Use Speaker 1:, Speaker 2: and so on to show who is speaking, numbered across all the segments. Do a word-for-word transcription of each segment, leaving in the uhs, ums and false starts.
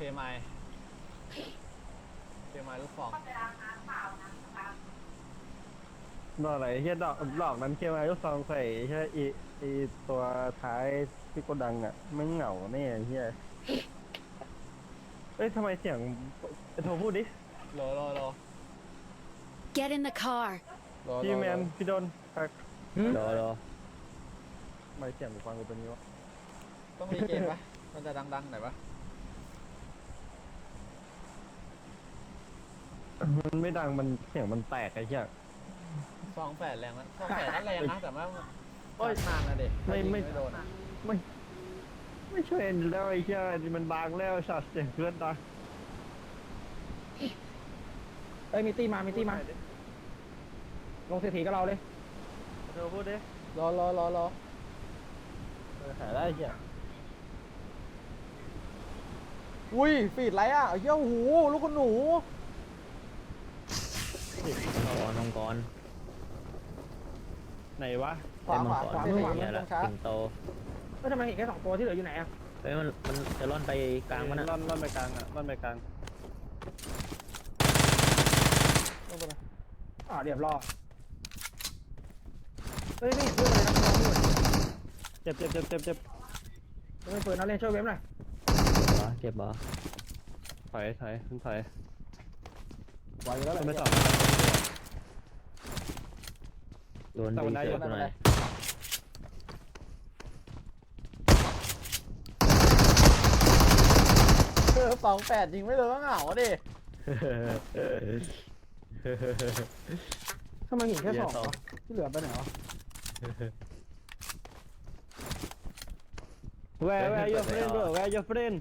Speaker 1: ไมเคไมลูกฟอง
Speaker 2: ดอกไหนเฮียดอกดอกนั้นเคมายุซองใส่ใช่อีอีตัวท้ายที่โกดังอ่ะไม่เหงาแน่เฮียเอ้ยทำไมเสียงโทรพูดดิ
Speaker 1: โลโลโล
Speaker 3: Get in the car.
Speaker 1: โล
Speaker 2: พี่แมนพี่โดนพัก
Speaker 4: รอรอ
Speaker 2: ทำไมเสียงกูฟังกูเป็นงี้วะ
Speaker 1: ต้องมีเกมปะมันจะดังๆหน่อยปะ
Speaker 2: มันไม่ดังมันเสียงมันแตกไอ้เหี้ย
Speaker 1: ฟองแฝดแรงนะฟองแฝดนั่นแรงนะแต่ว่าโอ้ยนานนะเด็ก
Speaker 2: ไม่ไม่
Speaker 1: ไม่โดน
Speaker 2: ไม่ไม่ช่วยแล้วไอ้เหี้ยมันบางแล้วสัตว์เสียงเพื่อนตา
Speaker 4: เอ้ยมีตี้มามีตี้มาลงเศรษฐีกับเราเลย
Speaker 2: โทรพูดดิ
Speaker 1: รอรอรอรอ
Speaker 2: เออหาได้ไอ้เหี้ย
Speaker 1: อุ้ยฟีดไรอ่ะเหี้ยหูลูกคุณหนู
Speaker 4: กรมังกร
Speaker 2: ไหนวะ
Speaker 1: ขวาขวา
Speaker 4: ขวา
Speaker 1: ไม่
Speaker 4: มือ
Speaker 1: ได้
Speaker 4: ขวา
Speaker 1: ยิงตรงช้า
Speaker 4: สิงโตก็ทำไมเห็นแค่สองตัวที่เหลืออยู่ไหนอ่ะเฮ้ยมันมันจะล่อนไปกลางมันอ่ะ
Speaker 2: ล่อนล่อนไปกลางอ่ะล่อนไปกลาง
Speaker 4: อ่าเรียบร้อยเฮ้ยไม่เห็นเพื่อนเลยนะเราด้วย
Speaker 2: เจ็บเจ็บเจ็บเจ็บเจ็บ
Speaker 4: ไม่เปิดนะเล่นช่วยเว็บหน่อยเจ็บบ่
Speaker 2: ถอยถอยขึ้นถอย
Speaker 1: ไหวอยู่แล้วแหละ
Speaker 2: ไม่สอง
Speaker 4: โดนดีเกินหน่อย
Speaker 1: เออฟองแฝดยิงไม่โดนก็เหงาดิ
Speaker 4: ทำไมเห็นแค่สองวะที่เหลือไปไหนวะ
Speaker 2: Where where your friend bro where your friend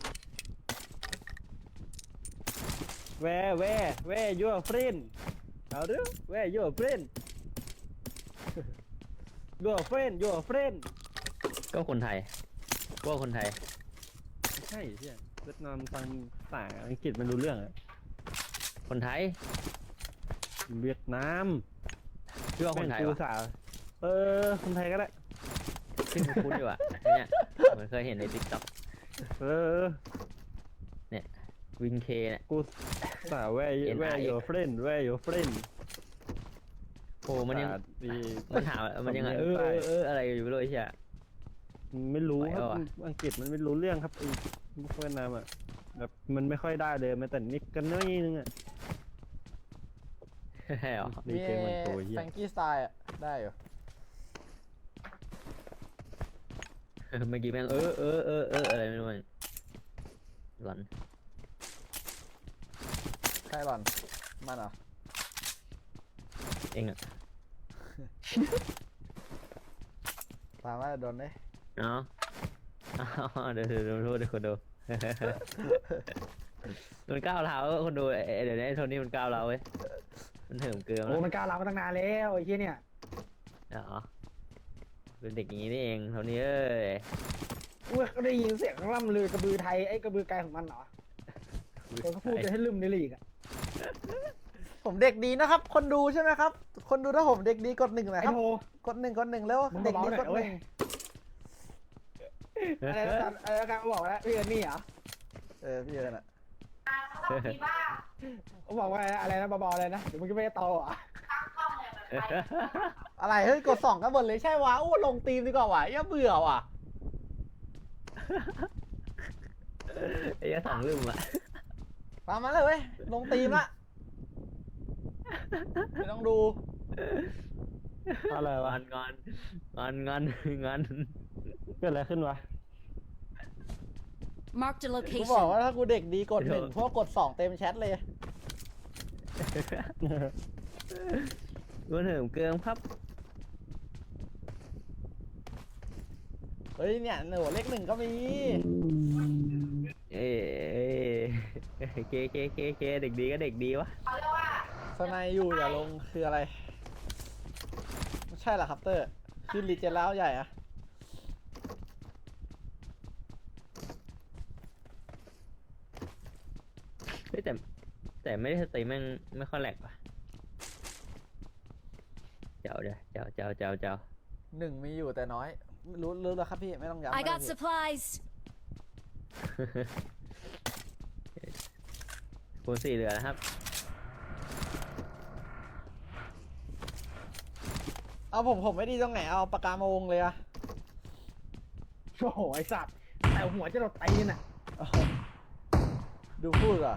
Speaker 2: Where where where your friend เอาดู Where your friend Your friend your friend
Speaker 4: ก็คนไทยก็คนไทย
Speaker 2: ไม่ใช่ใช่เวียดนามฟังภาษาอังกฤษมันรู้เรื่องอะ
Speaker 4: คนไทย
Speaker 2: เวียดนาม
Speaker 4: ชื่อว่าคนไทย
Speaker 2: แม่งกู
Speaker 4: วะ
Speaker 2: สาวเออคนไทยก็ได้
Speaker 4: ชื่อคุ้นๆอยู่อ่ะเนี่ยเหมือนเคยเห็นในติ๊กต็อก
Speaker 2: เออ
Speaker 4: เนี่ยวินเคเนี่ย
Speaker 2: กูสาว Where
Speaker 4: N I X
Speaker 2: where your friend Where your friend
Speaker 4: โอ้มันยัง
Speaker 2: ภาษาดี
Speaker 4: มันถามมันยังไงเออเออเอออะไรอยู่ไม่รู้ไอ้เหี้ย
Speaker 2: ไม่รู้
Speaker 4: ไหว
Speaker 2: ครับ
Speaker 4: ปะวะ
Speaker 2: อังกฤษมันไม่รู้เรื่องครับไอ้เวียดนามอ่ะแบบมันไม่ค่อยได้เลยแม้แต่นิดกันน้อยนึงอ่ะ
Speaker 4: ใช่หรอ
Speaker 2: มีเกมมันโตเหี้ย
Speaker 1: แฟงกี้สไตล์อ่ะได้อยู่
Speaker 4: เมื่อกี้แม่งเออเออเออเอออะไรไม่รู้มันหลอน
Speaker 1: ใครหล่อนมันเหรอ
Speaker 4: เองอ่ะ
Speaker 1: ตามว่าโดนได้
Speaker 4: เนาะเดี๋ยวเดี๋ยวดูเดี๋ยวคนดูมันก้าวร้าวคนดูเดี๋ยวนี้โทนี่มันก้าวร้าวเว้ยมันเหิมเกลือ
Speaker 5: โอ้มันก้าวร้าวมาตั้งนานแล้วไอ้เหี้ยเนี่ย
Speaker 4: เหรอเป็นเด็กอย่างนี้นี่เองโทนี่เอ้ย
Speaker 5: เมื่อก็ได้ยินเสียงล่ำลือกระบือไทยไอ้กระบือไกลของมันเหรอเขาก็พูดจะให้ลืมในลีกอะ
Speaker 1: ผมเด็กดีนะครับ คนดูใช่ไหมครับ คนดูถ้าผมเด็กดีกดหนึ่งหน่อย
Speaker 5: ไอ้
Speaker 1: ครับ
Speaker 5: โท
Speaker 1: กดหนึ่งกดหนึ่งแล้ว
Speaker 5: มึง
Speaker 1: เด็ก
Speaker 5: เบา
Speaker 1: ดี
Speaker 5: ๆหน่
Speaker 1: ก
Speaker 5: อย
Speaker 1: ดห
Speaker 5: เว้
Speaker 1: นึ่
Speaker 5: ย
Speaker 1: ง
Speaker 5: อะไรนะอะไรนะการบอกแล้วพี่เอิร์นนี่เหรอ
Speaker 1: เออพี่เอิญอ่ะ
Speaker 5: เขาบอกว่าอะไรนะเบาๆอะไรนะเดี๋ยวมึงจะไม่ได้โตอ่ะ
Speaker 1: อะไรเฮ้ยกดสองกันหมดเลยใช่วะโอ้ลงตีมดีกว่าวะอย่าเบื่อว่ะ
Speaker 4: ไอ้ยะสองลืมอ่ะ
Speaker 1: ตามมาเลยเว้ยลงตีมละไม่ต้องดู
Speaker 2: อะไรวะ
Speaker 4: งอนงอนงอนงอน
Speaker 2: เกิดอะไรขึ้นวะ
Speaker 3: Marked a
Speaker 1: กูบอก
Speaker 3: location.
Speaker 1: ว่าถ้ากูเด็กดีกดหนึ่งพวกกดสองเต็มแชทเลย
Speaker 4: มันเหิมเกลือครับ
Speaker 1: เฮ้ยเนี่ยหนูเลขหนึ่งก็มี
Speaker 4: เอ้เคเคเคเคเด็กดีก็เด็กดีวะ
Speaker 1: สไนอยู่อย่าลงคืออะไรไม่ใช่เหรอครับเตอร์คือรีเจนแล้วใหญ่อะ
Speaker 4: เฮ้ยแต่แต่ไม่ได้สตรีมแม่งไม่ค่อยแหลกว่ะเจ้าเดี๋ยวเจ้าเจ้าเจ้าเจ้า
Speaker 1: หนึ่งมีอยู่แต่น้อย รู้รู้แล้วครับพี่ไม่ต้องย้ำ
Speaker 3: I
Speaker 1: ก็ได้
Speaker 3: got
Speaker 1: พี่
Speaker 3: supplies.
Speaker 4: คูณสี่เหลือนะครับ
Speaker 1: เอาผมผมไม่ดีตรงไหนเอาปากกามาวงเลยอะ
Speaker 5: โอ้โหไอสัตว์แต่หัวจะเราตีนอ่ะ
Speaker 1: เอาดูพูดอ่ะ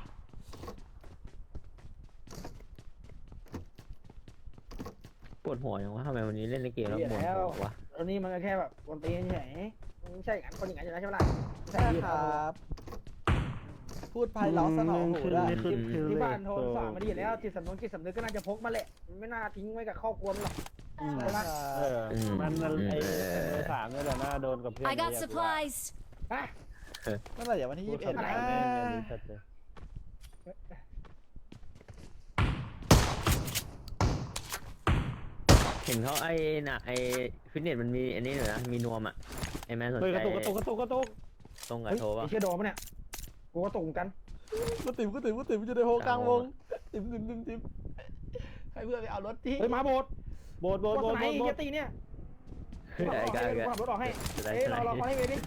Speaker 4: ปวดหัวอย่างวะทำไมวันนี้เล่นในเกมแล้ว
Speaker 5: เหี้ย
Speaker 4: ปวด
Speaker 5: แล้ว
Speaker 4: หัววะ
Speaker 5: อันนี้มันก็แค่แบบคนตีนเฉยมันไม่ใช่อย่างนั้นคนอย่างนั้นอยู่แล้วใช่ไหมล่ะใช่
Speaker 1: ใช่
Speaker 5: ที่
Speaker 1: ค
Speaker 5: เรา
Speaker 1: รับ พูดไพเราะสนองหูได้
Speaker 2: ขึ้น
Speaker 5: ที่
Speaker 2: ขึ้น
Speaker 5: ที่บ้านโทนสอนมาดีอยู่แล้วจิตสำนึกจิตสำนึกก็น่าจะพกมาแหละมันไม่น่าทิ้งไว้กับครอบครัวมันหรอก
Speaker 2: อืม
Speaker 5: ใช่ไหม
Speaker 2: เออมันมันไอ้เบอร์สามนี่แหละน่าโดนกับเพื่อน
Speaker 3: I got supplies.
Speaker 5: ฮะ
Speaker 1: เมื่อไหร่อย่าวันที่
Speaker 2: พู
Speaker 1: ยี่
Speaker 2: ด
Speaker 1: สิบเอ็ด
Speaker 2: คำ
Speaker 1: นะ
Speaker 2: ถามแม่งเลยชัดเลย
Speaker 4: เห็นเขาไอ้น่ะไอ้ฟิตเนสมันมีอันนี้อยู่นะมีนวมอ่ะไอ้แมนสน
Speaker 2: เฮ้ย
Speaker 4: ใจ
Speaker 2: กระตุกกระตุกกระตุกกระตุก
Speaker 4: ตรงกับ
Speaker 5: เฮ้ย
Speaker 4: โทรป่ะ
Speaker 5: ไอ้เชี่ยโดนปะเนี่ยกูก็ตกเหมือนกัน
Speaker 1: กูติ๋มกูติ๋มกูติ๋มจะได้โฮกลางวงติ๋มติ๋มติ๋มติ๋มให้เพื่อนไปเอารถที่
Speaker 5: เฮ้ยมาโบด
Speaker 2: โบดโบด
Speaker 5: โบ
Speaker 2: โบ
Speaker 5: ด
Speaker 2: ด
Speaker 5: ไหน
Speaker 2: โบดโบ
Speaker 5: เฮี
Speaker 2: ด
Speaker 5: ยตีเนี่ย
Speaker 4: ได้
Speaker 5: ขับ
Speaker 4: ได้
Speaker 5: รถออกให้
Speaker 4: ได้
Speaker 5: ขับรถออกให้เอ้ยรอรอขอให้เวดิ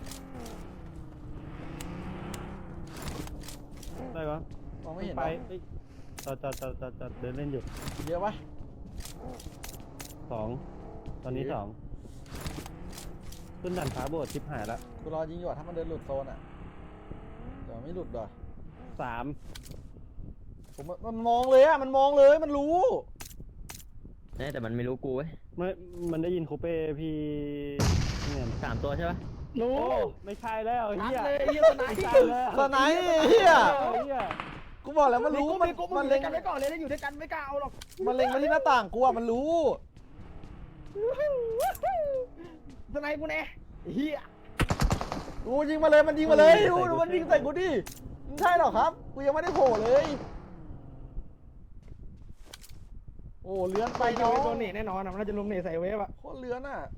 Speaker 2: ได้ปะ
Speaker 1: มองไม่เห็น
Speaker 2: ไป
Speaker 1: หรอ
Speaker 2: เอ้ยจอดจอดจอดจอดจอดเดินเล่นอยู่
Speaker 1: เยอะปะ
Speaker 2: สองตอนนี้สองขึ้นดันฟ้าโบดชิบหายละ
Speaker 1: กูรอยิงอยู่อะถ้ามันเดินหลุดโซนอ่ะเดี๋ยวไม่หลุดหรอ
Speaker 2: สาม
Speaker 1: ผมมันมองเลยอ่ะมันมองเลยมันรู้
Speaker 4: เนี่ยแต่มันไม่รู้กูเว้ย
Speaker 2: ไม่มันได้ยินคูเป้พี่เนี่ย
Speaker 4: สามตัวใช่ปะ
Speaker 5: รู้
Speaker 2: โอ้ไม่ใช่แล้ว
Speaker 5: นัด
Speaker 2: เฮีย
Speaker 5: เลยเฮียสไน
Speaker 2: ไม่
Speaker 5: ป์
Speaker 2: ใช่แล้ว
Speaker 1: ตอนไหนเฮีย
Speaker 2: เฮีย
Speaker 1: กูบอกแล้วมัน
Speaker 5: รู้
Speaker 1: รู้
Speaker 5: มั
Speaker 1: มัน น
Speaker 5: กู
Speaker 1: มั
Speaker 5: มัน น
Speaker 1: เล็
Speaker 5: เล่
Speaker 1: ง
Speaker 5: นกันไว้ก่อนเลยแล้วอยู่ด้วยกันไม่กล้าเอาหรอก
Speaker 1: มันเล็งมาที่หน้าต่างกูอ่ะมันรู้
Speaker 5: สไนป์กูแน่เฮีย
Speaker 1: กูยิงมาเลยมันยิงมาเลยดูดูมันยิงใส่กูดิไม่ใช่หรอกครับกูยังไม่ได้โผล่เลย โอ้เลื้อนไป
Speaker 5: ไป
Speaker 1: น้อง
Speaker 5: โดนเนตแน่นอนอ่ะมันน่าจะลงเนตใส่เวฟอ่ะ
Speaker 1: โคตรเลื้อนอ่ะ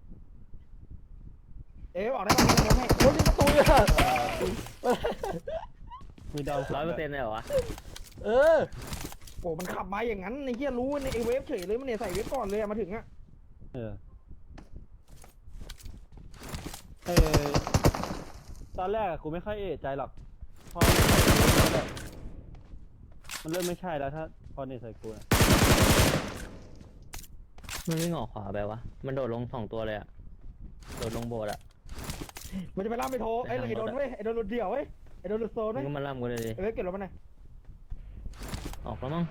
Speaker 5: เอ๊ะบอกได้ป่ะมันลงให้
Speaker 1: โคตรยิงประตูเลยอะ
Speaker 2: มีดาว
Speaker 4: ร้อยเปอร์เซ็นต์เลยเหรอวะ
Speaker 1: เออ
Speaker 5: โอ้มันขับมาอย่างนั้นไอ้เฮียรู้ในไอ้เวฟเฉยเลยมันเนตใส่เวฟก่อนเลยอะมาถึงอ่ะ
Speaker 2: เออเออตอนแรกอะกูไม่ค่อยเอะใจหรอกพอมันเริ่มไม่ใช่แล้วถ้าพอเนี่ยใส่กูนะ
Speaker 4: มันวิ่งออกขวาไปวะมันโดดลงสองตัวเลยอะโดดลงโบสถ์อะ
Speaker 5: มันจะไปล่ามไปโทรไอ้ไอ้โดนเว้ยไอ้โดนหลุดเดี่ยวเว้ยไอ้โดนหลุดโซน
Speaker 4: มั
Speaker 5: เว้
Speaker 4: น
Speaker 5: ย
Speaker 4: ก็มาล่ำกูเลยดิ
Speaker 5: ไอ้เวฟเก็บรถมาหน่อย
Speaker 4: ออกแล้วมั้ง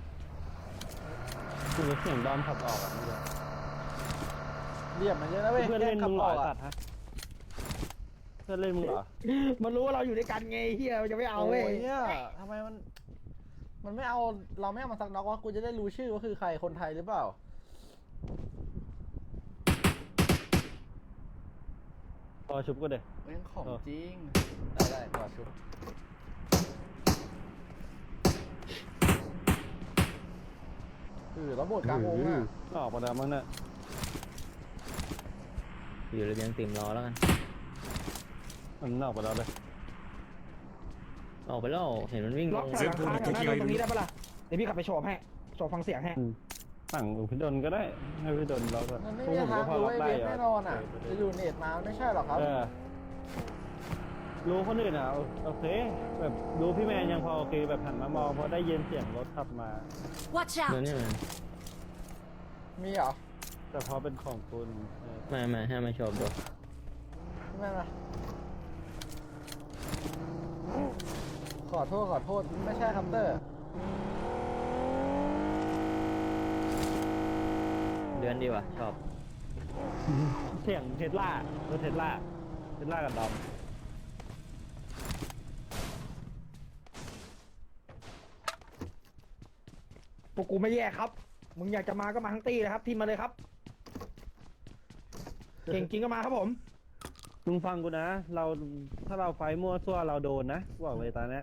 Speaker 2: กูเสียงดอมขับออกอ่ะเมื่อกี้
Speaker 1: เรียบมันเยอะนะเว้ย
Speaker 2: เพื่อนเล่นมึงเหรอ
Speaker 1: แก
Speaker 2: ตัดฮะเพื่อนเล่นมึงเหรอ
Speaker 5: มันรู้ว่าเราอยู่ด้วยกันไงเฮียมันจะไม่เอา
Speaker 1: โอ้
Speaker 5: เว้ย
Speaker 1: ยเนี่ยทำไมมัน มันไม่เอาเราไม่เอามาสักน็อกวะกูจะได้รู้ชื่อว่าคือใครคนไทยหรือเปล่า
Speaker 2: พอชุบก็เด็
Speaker 1: เรื่องของ
Speaker 2: เออ
Speaker 1: จริง ได้ได้ต่อชุบเออแล้วโบดกลางวงอ่ะ
Speaker 2: ออกมาแล้วมั้งเนี่ย
Speaker 4: อยู่ระเบียงติ่มรอแล้วกัน
Speaker 2: มันออกมาแล้วเลย
Speaker 4: ออกไปแล้วเห็นมันวิ่งล
Speaker 5: ล็อก
Speaker 4: ง
Speaker 5: แถวหลังคาแถวหน้าตรงนี้ได้ปะล่ะเดี๋ยวพี่ขับไปโฉบให้โฉบฟังเสียงให้
Speaker 2: อืมสั่งพี่ดนก็ได้ให้พี่ดนเราก็
Speaker 1: มันไม่
Speaker 2: พว
Speaker 1: มี
Speaker 2: กผม
Speaker 1: ทาง
Speaker 2: ก็พอ
Speaker 1: รู้
Speaker 2: รับ
Speaker 1: ไอ้
Speaker 2: ได้
Speaker 1: เวฟ
Speaker 2: อยู่
Speaker 1: แน่นอนอ่ะ จะอยู่เน็ตมาไม่ใช่หรอกครับ
Speaker 2: เออรู้คนอื่นอ่ะโอเคแบบดูพี่แมนยังพอโอเคแบบหันมามองเพราะได้ยินเสียงรถขับมา
Speaker 3: Watch
Speaker 4: เดี๋ยว
Speaker 3: out.
Speaker 4: นี้มัน
Speaker 1: มีเหรอ
Speaker 2: แต่พอเป็นของคุณเออ
Speaker 4: ไม่ไม่ให้มาชมดู
Speaker 1: ไม่มาขอโทษขอโทษไม่ใช่ครับเตอร์
Speaker 4: เดือนดีว่ะชอบ
Speaker 2: เสียงเทสลารถเทสลาเทสลากับดอม
Speaker 5: พวกกูไม่แยกครับ มึงอยากจะมาก็มาทั้งตีเลยครับทีมมาเลยครับ เก่งจริงก็มาครับผม
Speaker 2: มึงฟังกูนะ เราถ้าเราไฟมั่วซั่วเราโดนนะบอกเลยตอนเนี้ย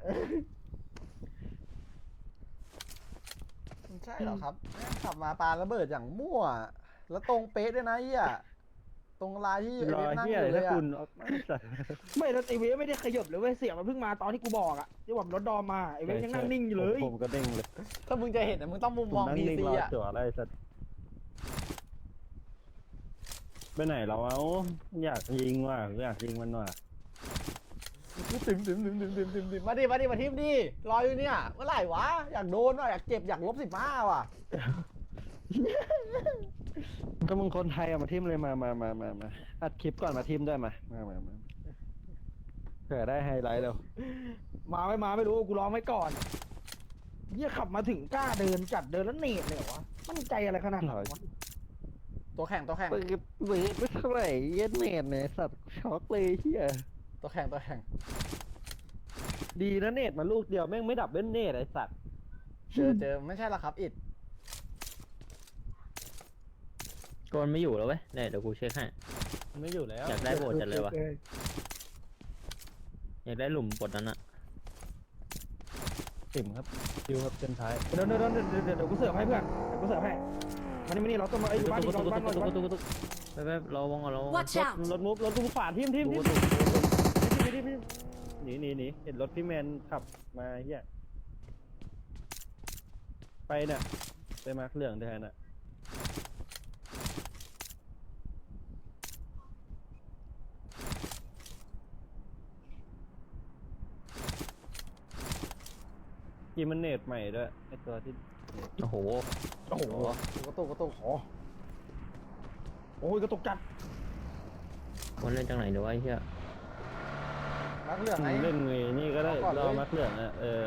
Speaker 1: ไม่ใช่หรอกครับแม่งขับมาปาระเบิดอย่างมั่ว แล้วตรงเป๊ะด้วยนะเฮียตรงลายที่ไอ้
Speaker 2: รอ
Speaker 1: เวฟนั่ง
Speaker 2: เฮี
Speaker 1: อย ยู่เล
Speaker 2: ถ้าย
Speaker 1: อะ
Speaker 2: คุณเอาไม่จัด
Speaker 5: ไม่แล้วไอเวฟไม่ได้ขยับเลยเว้ยเสียงมันเพิ่งมาตอนที่กูบอกอะที่ว่ารถดอมมาไอเวฟยังนั่งนิ่งอยู่เลย
Speaker 2: ผมผมก็เด้งเลย
Speaker 1: ถ้ามึงจะเห็นอะมึงต้องมุม
Speaker 2: ผม
Speaker 1: มอง
Speaker 2: นั่ง
Speaker 1: พี
Speaker 2: นิ่ง
Speaker 1: ซี
Speaker 2: รอ
Speaker 1: อ่ะ
Speaker 2: จั่วอะไรสัตว์ไปไหนเราเอาอยากยิงว่ะอยากยิงมันว่ะ
Speaker 1: ติมติมติมติมติมติมติมมาดิมาดิมาทิมดิรออยู่เนี่ยเมื่อไหร่วะอยากโดนว่ะอยากเจ็บอยากลบสิบห้าว่ะ
Speaker 2: ก็มึงคนไทยอะมาทิมเลยมามามามามาอัดคลิปก่อนมาทิมด้วยมามามามาเผื่อได้ไฮไลท์เร็ว
Speaker 5: มาไม่มาไม่รู้กูร้องไว้ก่อนเหี้ยขับมาถึงกล้าเดินจัดเดินแล้วเนตเลยเหรอวะมั่นใจอะไรขนาดนั้นวะ
Speaker 1: ตัวแข่งตัวแข่ง
Speaker 2: ปืนปืนไม่เท่าไหร่เย็ดเนตเนี่ยสัตว์ช็อกเลยเฮีย
Speaker 1: ตัวแข่งตัวแข่ง
Speaker 2: ดีนะเนตมาลูกเดียวแม่งไม่ดับเบิ้ลเนตไอสัตว์
Speaker 1: เจอเจอไม่ใช่ละครับอิด
Speaker 4: โกนไม่อยู่แล้วเว้ยเนี่ยเดี๋ยวกูเช็คให้
Speaker 2: ไม่อยู่แล้ว
Speaker 4: อยากได้โบดจัดเลยวะอยากได้หลุมบดนั้นอะ
Speaker 2: ติ่มครับคิวครับเส้นท้าย
Speaker 5: เดี๋ยวเดี๋ยวเดี๋ยวเดี๋ยวเดี๋ยวกูเสิร์ฟให้เพื่อนเดี๋ยวกูเสิร์ฟให้มานี่มานี่เราต้องมาไอ้ยอยู่บ้าน
Speaker 4: ตุ๊
Speaker 5: ดี
Speaker 4: ก
Speaker 5: เรา
Speaker 4: ตุ๊ก
Speaker 5: บ้าน
Speaker 4: ตุ๊
Speaker 5: เรา
Speaker 4: ก
Speaker 5: บ้าน
Speaker 4: ตุ๊กตุ๊กตุ๊กไปไปรอวงก่อนรอวง
Speaker 3: Watch
Speaker 2: รถ
Speaker 3: out!
Speaker 2: รถมุกรถมุกขวาทิมทิมทิม
Speaker 4: ตุ๊กตุ๊ก
Speaker 2: หนีหนีหนีหนีหนีหนีเห็นรถพี่แมนขับมาเฮียไปเนี่ยไปมาร์คเหลืองแทนอ่ะกีมันเนตใหม่ด้วยไอตัวที่
Speaker 4: โอ้โห
Speaker 5: โอ้โห
Speaker 1: กระตุกกระตุก
Speaker 5: โอ้โอ้ยกระตุกจัด
Speaker 4: มันเล่นจังไหนเดี๋ยวไอ้เหี้ย
Speaker 1: นักเลือกไง
Speaker 2: เล่นไงนี่ก็ได้
Speaker 1: เอาก่อนเลย
Speaker 2: เรามาร์คเหลืองอ่ะเออ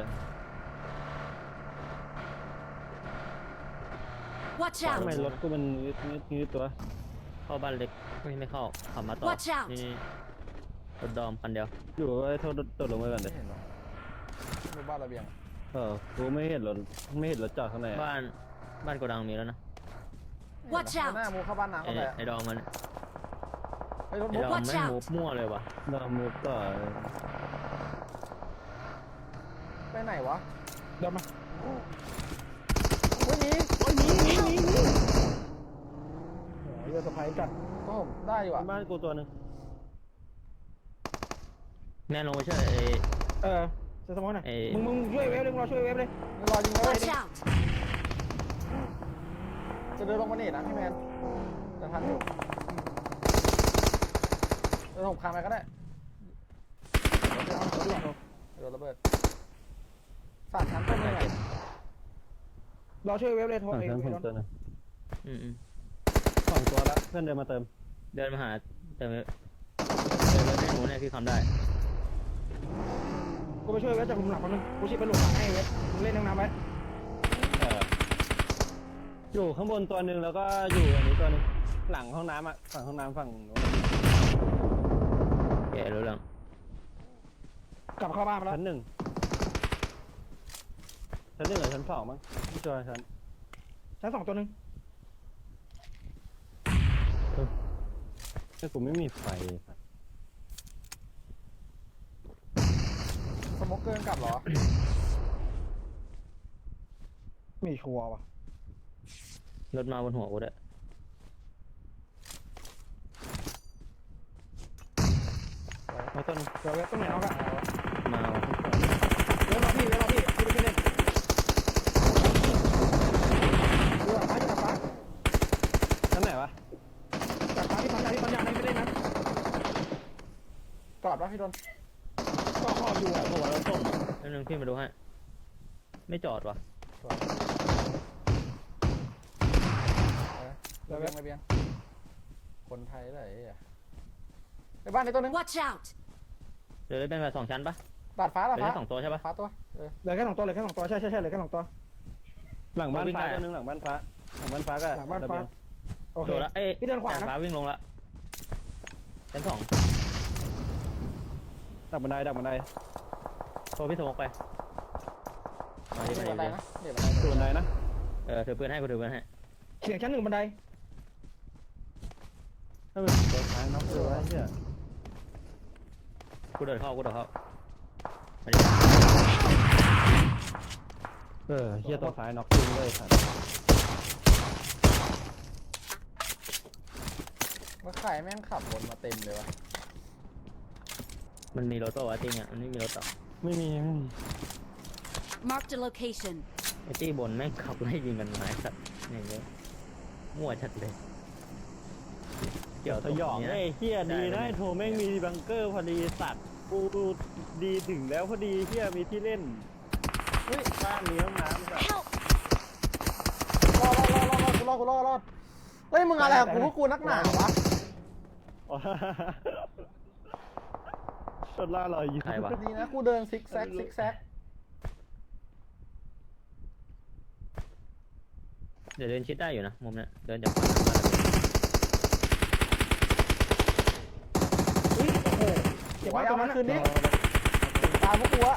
Speaker 3: Watch
Speaker 2: ทำไม
Speaker 3: out!
Speaker 2: รถกูมันงืดงืดงืดตัว
Speaker 4: เข้าบ้านเล็กไม่ไม่เข้าขับมาต่อ
Speaker 3: Watch out
Speaker 4: นี่นี่รถดอมคันเดียว
Speaker 2: อยู่ไอ้โทษตกลงไปก่อนเล
Speaker 1: ไม่
Speaker 2: ย
Speaker 1: เห็นหรอดูบ้านระเบียง
Speaker 2: เออกูไม่เห็นรถไม่เห็นรถจอดข้างในอะ
Speaker 4: บ้านบ้านโกดังมีแล้วนะ
Speaker 3: Watch
Speaker 1: เอา
Speaker 3: out
Speaker 1: หน้ามูเข้าบ้านน้ำ
Speaker 4: ไอ้
Speaker 1: เข้าไป
Speaker 4: ไอ้ดอมมัน
Speaker 1: ไอ้รถ
Speaker 4: ไอ้
Speaker 1: มุก
Speaker 4: ดอม
Speaker 3: Watch
Speaker 4: ไม่
Speaker 3: out
Speaker 4: มูฟมั่วเลยว่ะ
Speaker 2: ดอมมุกต่อ
Speaker 1: ไปไหนวะ
Speaker 5: เดินมา
Speaker 1: ไม่มี
Speaker 5: โอ้ยหนีหนีหนีหนีโอ้ยเรือสะพายจัด
Speaker 1: โอ้ผมได้อยู่อ่ะ
Speaker 2: บ้านกูตัวหนึง
Speaker 4: แน่ลงไปช่วยไอ้
Speaker 5: เออเซสมอนหน่อย
Speaker 4: เอ่ย
Speaker 5: มึงมึงช่วยเวฟเลยมึงรอช่วยเวฟเลย
Speaker 1: รอยิงเลย
Speaker 3: Watch out!
Speaker 1: จะเดินลงมาเนตนะพี่แมนจะทันอยู่เดินผมคางไปก็ได้โดนระเบิดสามชั้นต้นเลยไง
Speaker 5: รอช่วยเวฟเลยโทร
Speaker 2: ฝั่ง
Speaker 5: เอง
Speaker 2: ชั้นผม
Speaker 5: ไม่โดน
Speaker 2: ตัวหนึง
Speaker 4: อืมอืม
Speaker 2: สองตัวแล้วเพื่อนเดินมาเติม
Speaker 4: เดินมาหาแต่ไม่เดินไปไม่รู้เนี่ยพี่คำได้
Speaker 5: กูไปช่วยเวฟจากหลุมหลังคนนึงกูชิบไปหลุมหลังให้เวฟมึงเล่นน้ำน้ำไว้
Speaker 2: เอออยู่ข้างบนตัวหนึ่งแล้วก็อยู่อันนี้ตัวหนึงหลังห้องน้ำอ่ะฝั่งห้องน้ำฝั่งโน้น
Speaker 4: แกรู้เรื่อง
Speaker 5: กลับเข้าบ้านมาแล้ว
Speaker 2: ชั้นหนึ่งชั้นหนึ่งหรือชั้นสองมั้งไม่ชัวร์ชั้น
Speaker 5: ชั้นสองตัวหนึง
Speaker 2: แต่กูไม่มีไฟครับ
Speaker 1: สโมกเกินกลับเหรอ
Speaker 5: ไม่ชัวร์ว่ะ
Speaker 4: รถมาบนหัวกูด้วย
Speaker 2: เอาต้น
Speaker 5: เดี๋ยวเวฟต้องไหนเอากัน
Speaker 4: มาว่ะ
Speaker 5: เวฟรอพี่เวฟรอพี่กูไปช่วยเล่นเรือฟ้าจะกลับฟ้า
Speaker 2: ชั้นไหนวะ
Speaker 5: กลับฟ้าที่ปั๊มยาที่ปั๊มยาไม่ได้นะ
Speaker 1: กอดปะพี่โดน
Speaker 5: ก็คออยู่อ่ะ
Speaker 4: เพราะว่ารถส้มนิดนึงพี่มาดูให้ไม่จอดว่ะ
Speaker 1: ระเบียงระเบียงคนไทยเลยไอ้เหี้ยในบ้านในตัวหนึง
Speaker 3: Watch out!
Speaker 4: เดี๋ยวได้เป็นแบบสองชั้นปะ
Speaker 1: ดาดฟ้าดาด
Speaker 4: เดี๋ยว
Speaker 1: ฟ้า
Speaker 4: ได้สองตัวใช่ปะ
Speaker 1: ฟ้าตัวเออ
Speaker 5: เหลือแค่สองตัวเหลือแค่สองตัวใช่ใช่ใช่เหลือแค่สองตัว
Speaker 2: หลังบ้าน
Speaker 4: วิ่ง
Speaker 2: ฟ้า
Speaker 4: ได้
Speaker 2: ตัวหนึงหลังบ้านฟ้าหลังบ้านฟ้าก็
Speaker 5: หลังบ้านฟ้า
Speaker 2: ระเบียง
Speaker 5: โอเค
Speaker 4: โดดละเอ้ย
Speaker 5: พี่เดินขวานะ
Speaker 4: ฟ้าวิ่งลงละชั้นสอง
Speaker 2: ดักบันไดดักบันได
Speaker 4: โทรพี่สมกไปมาดิ
Speaker 1: เดี๋ยว
Speaker 4: มา
Speaker 1: บันได
Speaker 4: ดิ
Speaker 1: นะเดี๋ยวบันได
Speaker 2: ดูบันไดนะ
Speaker 4: เออถือปืนให้กูถือปืนให้
Speaker 5: เสียงชั้นหนึ่งบันได
Speaker 2: ถ้าเป็นตัวท้ายน้องตัวไอ้เหี้ย
Speaker 4: กูเดินเข้ากูเดินเข้ามาดิ
Speaker 2: เออเหี้ยตัวท้ายน็อกจริงเลยสัตว์
Speaker 1: ว่าใครแม่งขับวนมาเต็มเลยวะ
Speaker 4: มันมีรถตัววะจริงอ่ะมันไม่มีรถต่อ
Speaker 2: ไม่มีไม่มี
Speaker 3: Marked a location.
Speaker 4: ไอ้ตี้บนแม่งขับไล่ยิงกันมาไอ้สัตว์อย่างเงี้ยมั่วชัดเลยเกี่ยว
Speaker 2: สยอง
Speaker 4: ตรง
Speaker 2: ไอ้
Speaker 4: นี้นะ
Speaker 2: เหี้ยดี
Speaker 4: ได้
Speaker 2: นะ
Speaker 4: เลย
Speaker 2: ไอ้โทแม่งมีบังเกอร์พอดีสัตว์กูดีถึงแล้วพอดีเฮียมีที่เล่นเฮ้ยบ้านมีห้องน้ำแบบ
Speaker 3: Help!
Speaker 1: รอดรอดรอดรอดกูรอดกูรอดรอดเฮ้ยมึงอะไรกับกูพวกกูนักหนาวะ
Speaker 2: อ๋อชนล่าลอยอยู่
Speaker 4: ใครวะ
Speaker 1: ดีนะกูเดินซิกแซกซิกแซก
Speaker 4: เดี๋ยวเดินชิดได้อยู่นะมุมเนี้ยเดินจากฝั่งนั้นมา
Speaker 5: เฮ้ยโอ้โหเก็บ
Speaker 1: ไว้
Speaker 5: ไว้ตร
Speaker 1: เอา
Speaker 5: ง
Speaker 1: มา
Speaker 5: นั้น
Speaker 1: คืน
Speaker 5: นะ
Speaker 1: นี้ถึงตามพวกกูอะ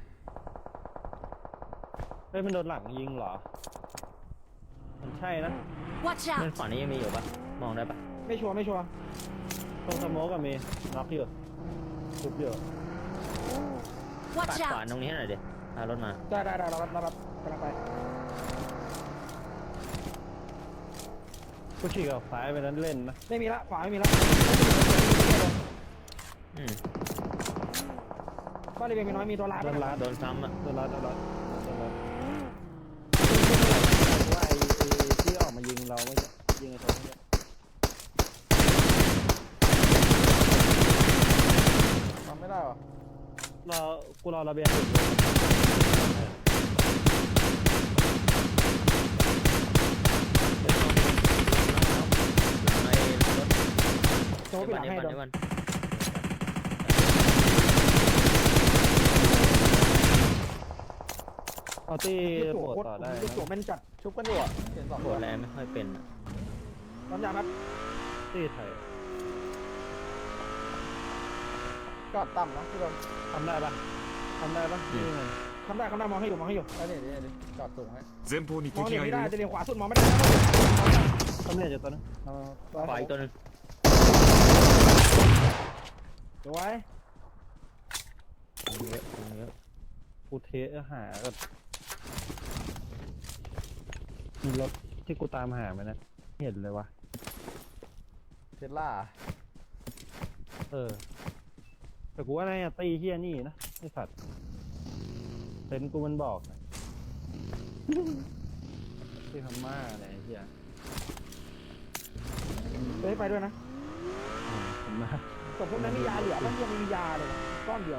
Speaker 2: เฮ้ยมันโดนหลังยิงเหรอมันใช่นะ
Speaker 3: Watch
Speaker 4: เพื่อน
Speaker 3: out!
Speaker 4: ฝั่งนี้ยังมีอยู่ปะมองได้ปะ
Speaker 5: ไม่ชัวร์ไม่ชัวร์
Speaker 2: ตรงสโมกกับมีน็อกอยู่ทุบอยู่
Speaker 4: ปัด
Speaker 3: Watch
Speaker 4: ขวา
Speaker 3: out!
Speaker 4: ตรงนี้ให้หน่อยดิพารถมา
Speaker 5: ได้ได้ได้เรารับเรารับกำลังไป
Speaker 2: กูฉีกออกซ้ายไปนั้นเล่นนะ
Speaker 5: ไม่มีละขวาไม่มีละ
Speaker 4: อืม
Speaker 5: บ้านเรียนมีน้อยมีตัวลาด
Speaker 2: โดนรัด
Speaker 4: โดนซ้ำอ่ะ
Speaker 2: โดนรัดโดนรัดโดนรัดว่าไอ้ไอ้ที่ออกมายิงเราไม่ใช่ยิงไอ้ตัวนี้
Speaker 1: ทำไม่ได้วะ
Speaker 2: รอกูรอระเบียงอยู่
Speaker 4: ไอ้รถ
Speaker 5: โจ้ไปหลังให้
Speaker 4: เดี๋
Speaker 5: โด
Speaker 4: ยวน เดี๋ยว
Speaker 2: เอาตี้
Speaker 5: ยี่ตัว
Speaker 2: โปรด
Speaker 5: โคตร
Speaker 2: ต่อได้
Speaker 5: ยี่ตัว
Speaker 2: นะ
Speaker 5: แม่นจัด
Speaker 1: ชุบกันอยู่อะเห็นสอง
Speaker 4: โห
Speaker 1: ตัว
Speaker 4: แรงไม่ค่อยเป็นอะ
Speaker 5: ตอนยามัด
Speaker 2: ตี้ไทย
Speaker 1: จอดต่ำนะพี่โดน
Speaker 2: ทำได้ปะทำได้ปะนี่ไง
Speaker 5: ทำได้ทำได้มองให้อยู่มองให้อยู่
Speaker 1: ไอ้นี่นี่นี่จอดสูงให้
Speaker 6: 前方に
Speaker 5: มอง
Speaker 6: 敵
Speaker 5: เห็น
Speaker 6: がい
Speaker 5: ไม่
Speaker 6: る
Speaker 5: ได้
Speaker 6: よ
Speaker 5: จะเรียนขวาสุดมองไม่ได้
Speaker 2: ทำเนี่ยจะตัวนึงเอา
Speaker 4: ขวาอีกตัวหนึง
Speaker 5: เดี๋ยวไว้
Speaker 4: เยอะเยอะ
Speaker 2: กูเทสหากับมีรถที่กูตามหาไหมนะไม่เห็นเลยวะ
Speaker 1: เทสลา
Speaker 2: เออ แต่กูว่าน่าจะตีเฮียนี่นะไอสัตว์เซนส์กูมันบอกนะที่พม่าอะไรไอ้เฮีย
Speaker 5: เฮ้ยไปด้วยนะ
Speaker 2: อืมพม่า
Speaker 5: แต่พวกนั้นมียาเหลือบ้างยังไม่มียาเลยก้อนเดียว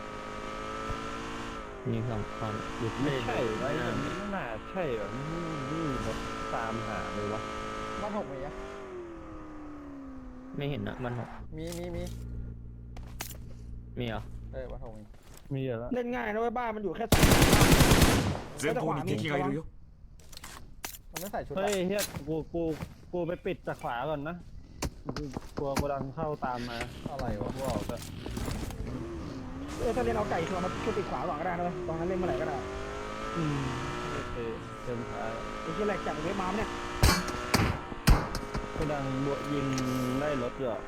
Speaker 4: มีสองคน
Speaker 2: ไม่ใช่ไว้
Speaker 4: ไม่
Speaker 2: มันไม่น่าใช่แบบนี่นี่รถตามหาเลยวะ
Speaker 1: บ้านหกมีอะ
Speaker 4: ไม่เห็นนะมันหก
Speaker 1: มีมีมี
Speaker 4: มีเหรอ
Speaker 1: เออบ้านหกมี
Speaker 2: มีอยู่แล้ว
Speaker 5: เล่นง่ายนะเว้ยบ้านมันอยู่แค่สอง
Speaker 6: 前方に敵がいるよ
Speaker 1: มันไม่ใส่ชุด
Speaker 2: เฮ้ย
Speaker 1: อะ
Speaker 2: เฮียกูกูกูไปปิดจากขวาก่อนนะกลัวกูดังเข้าตามมา
Speaker 1: อะไรวะ
Speaker 2: กูออกก็
Speaker 5: เออถ้าเล่นเอาไก่ชัวร์มาช่วยปิดขวาก่อนก็ได้นะเว้ยตอนนั้นเล่นเมื่อไหร่ก็ได้
Speaker 2: อืมโอเคเต็มขา
Speaker 5: ไอ้ที่แหลกจากเว็บมาเนี่ย
Speaker 2: กูดังบวยิงได้รถอยู่อะ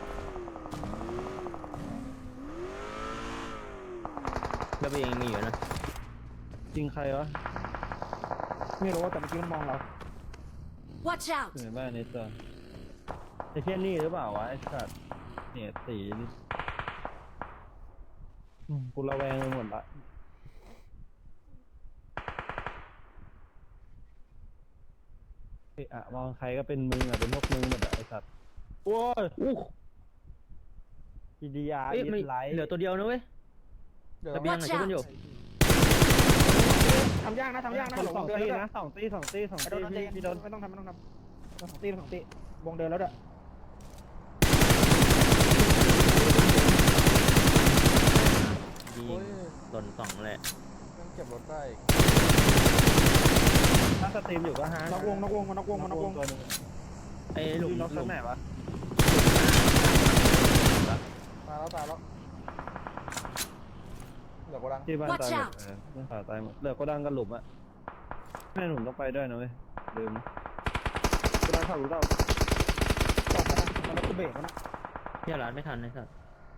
Speaker 4: แล้วไปยังมีอยู่นะ
Speaker 2: ยิงใครวะ
Speaker 5: ไม่รู้แต่เมื่อกี้มันมองเรา
Speaker 3: Watch out!
Speaker 2: อยู่ในบ้านนี้ตัวไอ้เทียนี่หรือเปล่าวะไอ้สัตว์เนี่ยสีนี่อืมกูระแวงไปหมดละเอะอะมองใครก็เป็นมึงอะเป็นพวกมึงหมดอะไอ้สัตว์โอ้ย
Speaker 4: อู้
Speaker 2: อีดีอาร์
Speaker 4: เอ้ย
Speaker 2: อี
Speaker 4: ไม่
Speaker 2: ไลท์
Speaker 4: เหลือตัวเดียวนะเว้ย
Speaker 1: เดี๋ยว
Speaker 4: ระเบียงอะ
Speaker 3: Watch
Speaker 4: ช่วยกัน
Speaker 3: out
Speaker 4: อยู่
Speaker 5: ทำยากนะทำยากนะ
Speaker 2: สอง
Speaker 5: หล
Speaker 2: สอง
Speaker 5: งเดิน
Speaker 2: ตี
Speaker 5: แล้ว
Speaker 2: นะสองตีสองตีสอง
Speaker 5: ไอ้โด
Speaker 2: ตี
Speaker 5: นใจ
Speaker 2: พี่
Speaker 5: เย็น
Speaker 2: พี่โดน
Speaker 5: ไม่ต้องทำไม่ต้องทำสองตีสองตีวงเดินแล้วเด้อ
Speaker 4: ยิง
Speaker 1: โอ้ย
Speaker 4: หล่นสองแหละ
Speaker 1: มันเก็บรถได้อีก
Speaker 2: ถ้าสตรีมอยู่ก็ฮะ
Speaker 5: นอกวงนอกวงมานอกวงมานอกวง
Speaker 2: ตัวหนึง
Speaker 4: ไอ้หลุม
Speaker 2: พี่น็อก
Speaker 4: หลุ
Speaker 2: ชั้น
Speaker 4: ม
Speaker 2: ไหนวะ
Speaker 1: ตายแล้วตายแล้วเหลือโกดัง
Speaker 2: ที่บ้าน
Speaker 3: Watch
Speaker 2: ตายหมด
Speaker 3: out
Speaker 2: เออเรื่องขาตายหมดเหลือก็ดังกันหลุมอะแม่หนุ่มต้องไปด้วยนะเว้ยลืมก็ดังเข้าหลุมเรา
Speaker 5: จอดนะมันก็เบรกนะ
Speaker 4: เที่ยร้านไม่ทันเลยสัส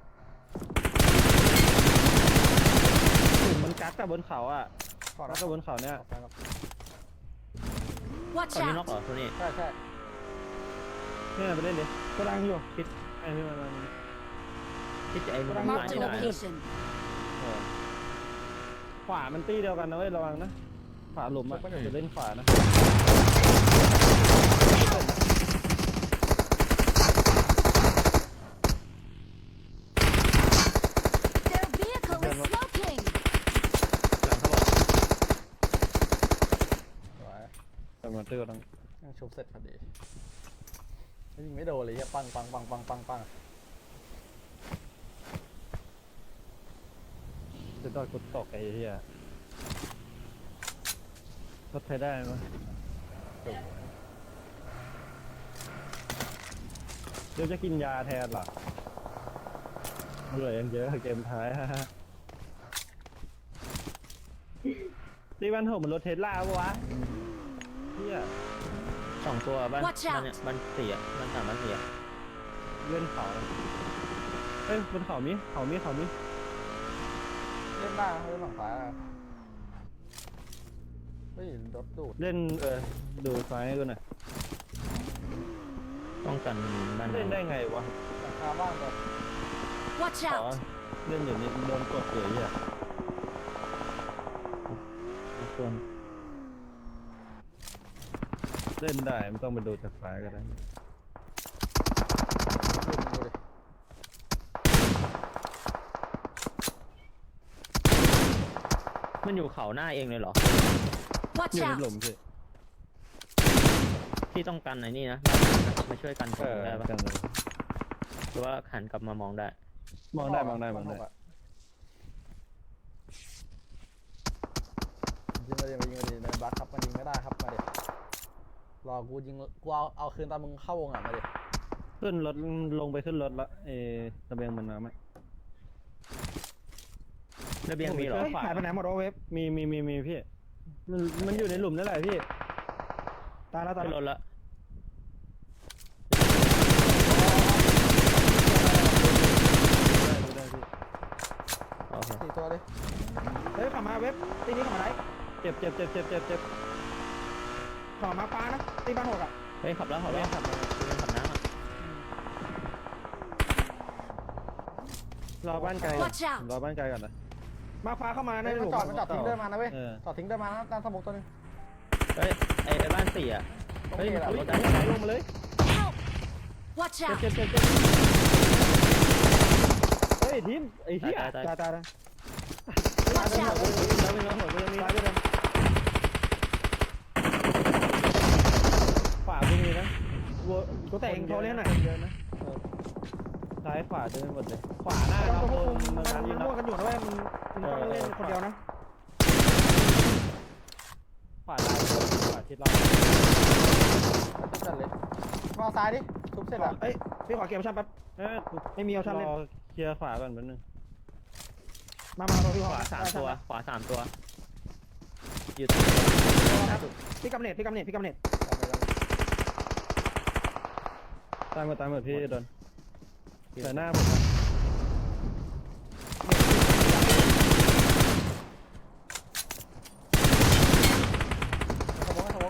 Speaker 2: หลุมมันกัดกับบนเขาอะ
Speaker 1: ก่อน
Speaker 2: กั
Speaker 1: นะ
Speaker 2: ดกับบนเขาเนี่ย
Speaker 1: ไปครับ
Speaker 3: Watch
Speaker 4: ตอนนี้น็อก
Speaker 3: out!
Speaker 4: เหรอตัวนี้
Speaker 1: ใช่ใช่
Speaker 2: เนี่ยไปเล่นดิ
Speaker 5: ก็ดังอยู่
Speaker 2: คิดไอ้พี่มันมัน
Speaker 4: ที่จะไอ้มัน
Speaker 3: Mark
Speaker 4: ตาย
Speaker 3: the
Speaker 4: ได้นะ
Speaker 3: location.
Speaker 2: เออขวามันตีเดียวกันนะเว้ยระวังนะขวาหลุมอะจะเล่นขวานะ
Speaker 3: They're
Speaker 2: เจอดัง
Speaker 1: ยังชุบเสร็จพอดีแล้วยิงไม่โดนเลยเฮียปังปังปังปังปังปัง
Speaker 2: จะดอยกูตกไอ้เหี้ยรถไทยได้ไหมเดี๋ยวจะกินยาแทนเหรอเหลือยังเยอะเกมท้ายฮะตีบ้านผมมันรถเทสลาปะวะเหี้ย
Speaker 4: สองตัวบ้าน
Speaker 3: Watch
Speaker 4: บ้าน
Speaker 3: out
Speaker 4: เนี่ยบ้านเสียบ้านสามบ้านเสีย
Speaker 2: เล่นเขาเอ้ยบนเขามีเขามีเขามี
Speaker 1: เล่นได้เล่นฝั่งซ้ายอะเฮ้ยรถดูด
Speaker 2: เล่นเออดูซ้ายให้ดูหน่อย
Speaker 4: ป้องกันบ้าน
Speaker 2: เล่นได้ไงวะ
Speaker 1: หลังคาบ้านแบบ
Speaker 3: Watch
Speaker 2: อ๋อ
Speaker 3: out!
Speaker 2: เล่นอยู่นี่โดนกดเฉยอ่ะ
Speaker 4: ส่วน
Speaker 2: เล่นได้ไม่ต้องไปดูจากซ้ายก็ได้
Speaker 1: ดูดิ
Speaker 4: มันอยู่เขาหน้าเองเลยเหรอ
Speaker 3: Watch
Speaker 2: อยู่ใน
Speaker 3: out!
Speaker 2: หลุมสิ
Speaker 4: ที่ต้องกันไอ้นี่นะมาช่วยกันผ
Speaker 2: เอ
Speaker 4: ม
Speaker 2: อ
Speaker 4: ได้ปะ
Speaker 2: กันเลย
Speaker 4: หรือว่าหันกลับมามองได้
Speaker 2: มองได้มองได้มองได้
Speaker 1: ยิงมาดิมายิงมาดิในบัคครับมันยิงไม่ได้ครับมาดิรอกูยิงกูเอาเอาคืนตอนมึงเข้าวงอ่ะมาดิ
Speaker 2: ขึ้นรถลงไปขึ้นรถละเออระเบียงมันมาไหม
Speaker 4: ระเบียงมีเหรอ
Speaker 5: เฮ้ยหายไปไหนหมดวะเว็บ
Speaker 2: มีมีมีมีพี่มันมันอยู่ในหลุมนั่นแหละพี่
Speaker 5: ตายแล้วตาย
Speaker 4: ขึ้น
Speaker 5: แล้ว
Speaker 4: รถละ
Speaker 2: ได้ได้พี่
Speaker 4: โอเค
Speaker 1: สี่ตัวเลย
Speaker 5: เฮ้ยขับมาเว็บตีนี้ขับมาไหน
Speaker 2: เจ็บเจ็บเจ็บเจ็บเจ็บเจ็บ
Speaker 5: ขับมาปลานะตีบ้านหกอ่ะ
Speaker 4: เฮ้ยขับแล้วขับแล้วขับมาขับน้ำอ่ะ
Speaker 2: รอบ้านไกลก่อน
Speaker 3: Watch out
Speaker 2: รอบ้านไกลก่อนนะ
Speaker 5: มาพาเข้ามาใน
Speaker 1: เฮ้ย
Speaker 5: ห
Speaker 1: มัน
Speaker 5: ลุม
Speaker 1: จอดมันจอดทิ้งเดินมานะเว้ย
Speaker 2: เออ
Speaker 1: จอดทิ้งเดินมานะด้านสมุกตัวนึง
Speaker 4: เฮ้ยไอ้ไอ้บ้านเสีย
Speaker 1: ตรง
Speaker 4: เฮ้ย
Speaker 1: นี้
Speaker 4: มัน
Speaker 1: แหละ
Speaker 4: ขับรถได้
Speaker 2: ลงมาเลย
Speaker 3: Help! Watch
Speaker 2: เจ็บ
Speaker 3: out!
Speaker 2: เจ็บเจ็บเจ็บเฮ้ยทีมไอ้
Speaker 4: ตาย
Speaker 2: เหี้ย
Speaker 4: ตายตาย
Speaker 5: ตายตายตาย
Speaker 3: Watch out!
Speaker 2: แล้วมีน้องหัวก็ยังมี
Speaker 5: ตายไปเลย
Speaker 2: ขวาก็มีนะวัว
Speaker 5: กูแต่เองโทรเล่นหน่อย
Speaker 2: เยอะนะเออซ้ายขวาเต็มไปหมดเลยขวาหน้า
Speaker 5: มัน
Speaker 2: เรา
Speaker 5: ก็
Speaker 2: โด
Speaker 5: ควบ
Speaker 2: น
Speaker 5: คุม
Speaker 2: มั
Speaker 5: มัน น
Speaker 2: นัดยิง
Speaker 5: มั่วกันอยู่นะเว้ยมึงมึงต้องเล่นคนเดียวนะ
Speaker 2: ขวาลายขวาทิศเรา
Speaker 1: ทุบจัดเลยมาเอาซ้ายดิทุบเสร็จอ่ะ
Speaker 5: เอ้ยพี่ขอเกมชั่นแป๊บ
Speaker 2: เอ๊ะ
Speaker 5: ไม่มีเอาชั่นเล่น
Speaker 2: รอเคลียร์ขวาก่อนแป๊บนึง
Speaker 5: มามาตัวพี่ข
Speaker 4: ข
Speaker 5: อ
Speaker 4: วาสามตัว ขวาสามตัว อยู่
Speaker 5: พี่กำเนิดพี่กำเนิดพี่กำเนิด
Speaker 2: ตามมาตามมาพี่โดนแต่หน้าผมนะ
Speaker 1: สมุกสมุก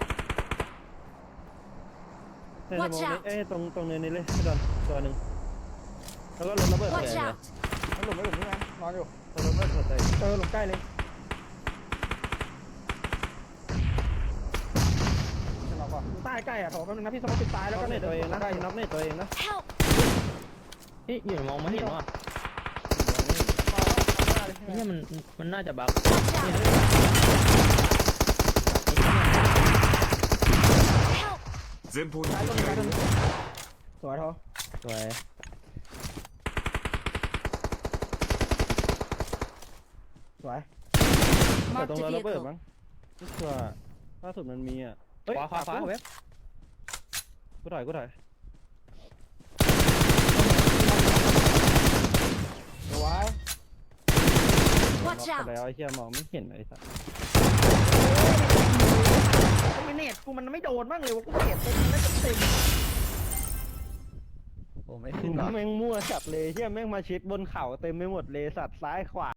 Speaker 2: ในสมอง
Speaker 3: Watch
Speaker 2: นี้
Speaker 3: out
Speaker 2: เอ้ยตรงตรงเนินนี้เลยพี่โดนตัวหนึ่งแล้วก็รถระเบิด
Speaker 3: Watch
Speaker 2: ใส่
Speaker 3: out!
Speaker 1: มันหลุมไม่หลุมนี่ไงนอนอยู่
Speaker 2: รถระเบิดใส่
Speaker 5: เจอหลุมใกล้เลย
Speaker 1: ขึ้นมาก่อน
Speaker 5: ใต้ใกล้อ่ะโถแป๊บนึงนะพี่สมมติปิดตาย
Speaker 2: แล้
Speaker 5: แล้ว ว
Speaker 2: ก็
Speaker 5: ก็
Speaker 2: เน็ตตัวเองนะ
Speaker 5: ใกล้
Speaker 2: น็อกเน็ตตัวเองนะ
Speaker 3: Help!
Speaker 4: นี่อยู่มองไม่เห็นว่ะ
Speaker 1: มาเลย
Speaker 4: นี่มันมันน่าจะบัก
Speaker 3: Watch out! Help!
Speaker 6: 前方に
Speaker 5: ซ้าย
Speaker 6: 敵
Speaker 5: ตัวนึง
Speaker 6: が
Speaker 5: ซ้าย
Speaker 6: い
Speaker 5: ตัว
Speaker 6: る
Speaker 5: นึง
Speaker 6: よ
Speaker 5: สวย
Speaker 3: Watch out!
Speaker 5: สวย
Speaker 2: แต่
Speaker 3: Mark
Speaker 2: ตรง
Speaker 3: the
Speaker 2: รถระเบิด
Speaker 3: vehicle.
Speaker 2: มั้งไม่ชัวร์ล่าสุดมันมีอ่ะเฮ้ย
Speaker 4: ขวาขวาขวา
Speaker 2: กู
Speaker 4: เว็บ
Speaker 2: กูถอยกูถอย
Speaker 5: สวย
Speaker 3: Watch
Speaker 2: น็อก
Speaker 3: out!
Speaker 2: ไปแล้วไอ้เหี้ยมองไม่เห็นไอ้สัส
Speaker 5: ทำไมเน็ตกูมันไม่โดนบ้างเลยวะกูเน็ตเต็มแล้วเต็ม
Speaker 1: โอ้ไม่ขึ้นหรอ
Speaker 2: แม่งมั่วจับเลยเหี้ยแม่งมาชิดบนเขาเต็มไปหมดเลยสัตว์ซ้ายขวา